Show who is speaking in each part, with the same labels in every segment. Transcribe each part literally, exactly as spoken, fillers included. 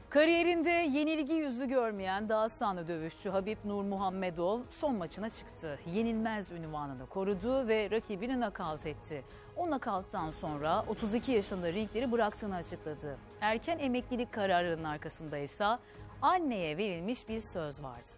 Speaker 1: Kariyerinde yenilgi yüzü görmeyen Dağıstanlı dövüşçü Habib Nurmuhamedov son maçına çıktı. Yenilmez unvanını korudu ve rakibini nakavt etti. O nakavttan sonra otuz iki yaşında ringleri bıraktığını açıkladı. Erken emeklilik kararının arkasında ise anneye verilmiş bir söz vardı.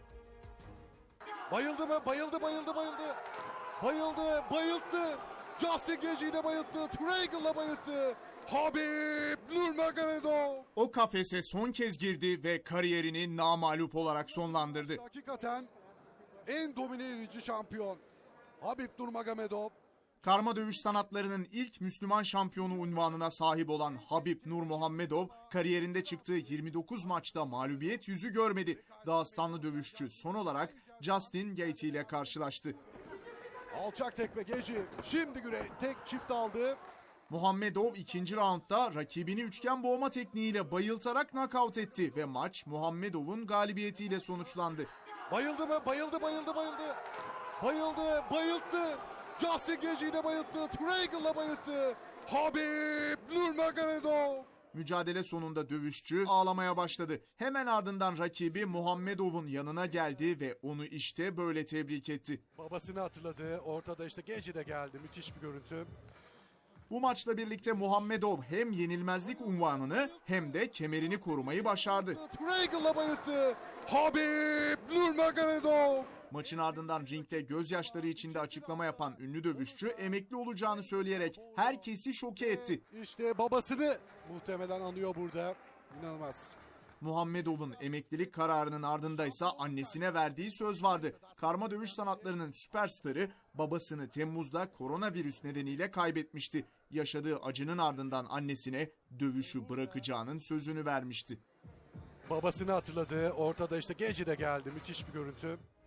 Speaker 2: Bayıldı mı? Bayıldı, bayıldı, bayıldı. Bayıldı, bayılttı. Justin Gaethje'yi de bayılttı. Triangle'la bayılttı. Habib Nurmagomedov.
Speaker 3: O kafese son kez girdi ve kariyerini namağlup olarak sonlandırdı.
Speaker 2: Hakikaten en domine edici şampiyon Habib Nurmagomedov.
Speaker 3: Karma dövüş sanatlarının ilk Müslüman şampiyonu unvanına sahip olan Habib Nurmuhamedov kariyerinde çıktığı yirmi dokuz maçta mağlubiyet yüzü görmedi. Dağıstanlı dövüşçü son olarak Justin Gaethje ile karşılaştı.
Speaker 2: Alçak tekme Gaethje şimdi güre tek çift aldı.
Speaker 3: Muhammedov ikinci raundda rakibini üçgen boğma tekniğiyle bayıltarak nakavt etti ve maç Muhammedov'un galibiyetiyle sonuçlandı.
Speaker 2: Bayıldı mı? Bayıldı, bayıldı, bayıldı. Bayıldı, bayılttı. Justin Gaethje'yi de bayılttı. Triangle'la bayılttı. Habib Nurmagomedov.
Speaker 3: Mücadele sonunda dövüşçü ağlamaya başladı. Hemen ardından rakibi Muhammedov'un yanına geldi ve onu işte böyle tebrik etti.
Speaker 2: Babasını hatırladı. Ortada işte Gaethje de geldi. Müthiş bir görüntü.
Speaker 3: Bu maçla birlikte Muhammedov hem yenilmezlik unvanını hem de kemerini korumayı başardı.
Speaker 2: Triangle'la bayılttı. Habib Nurmagomedov.
Speaker 3: Maçın ardından ringde gözyaşları içinde açıklama yapan ünlü dövüşçü emekli olacağını söyleyerek herkesi şoke etti.
Speaker 2: İşte babasını muhtemelen anıyor burada. İnanılmaz.
Speaker 3: Muhammedov'un emeklilik kararının ardındaysa annesine verdiği söz vardı. Karma dövüş sanatlarının süperstarı babasını Temmuz'da koronavirüs nedeniyle kaybetmişti. Yaşadığı acının ardından annesine dövüşü bırakacağının sözünü vermişti.
Speaker 2: Babasını hatırladı. Ortada işte Gaethje de geldi. Müthiş bir görüntü.